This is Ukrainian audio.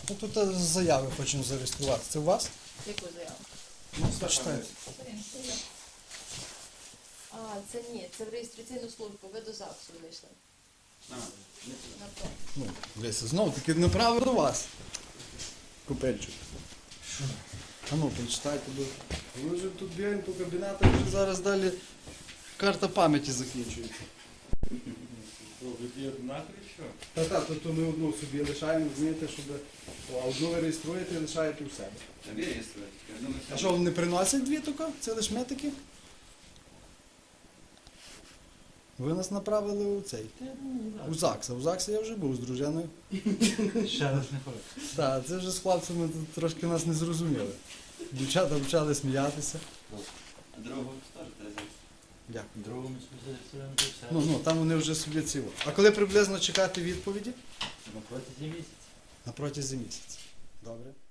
Ну, тут заяви хочемо зареєструвати. Це у вас? Яку заяву? Ну, почитайте. А, це ні, це в реєстраційну службу, ви до ЗАГСу вийшли. На то. Ну, дивіться, знову таки направив до вас. Купельчик. А ну, прочитайте. Ви вже тут бігаємо по кабінетах, вже зараз далі карта пам'яті закінчується. Та, то ми одну собі лишаємо, розумієте, щоб... А одну ви реєструєте і лишаєте у себе. А що, вони не приносять дві тільки? Це лише метики? Ви нас направили у цей. У ЗАГС. У ЗАГСі я вже був з дружиною. Ще раз не хочу. Так, це вже з хлопцями тут трошки нас не зрозуміли. Дівчата почали сміятися. А другого теж теж. Дякую. Другому спеціалістуємо то все. Ну, там вони вже собі ціло. А коли приблизно чекати відповіді? На протязі місяця. На протязі місяця. Добре.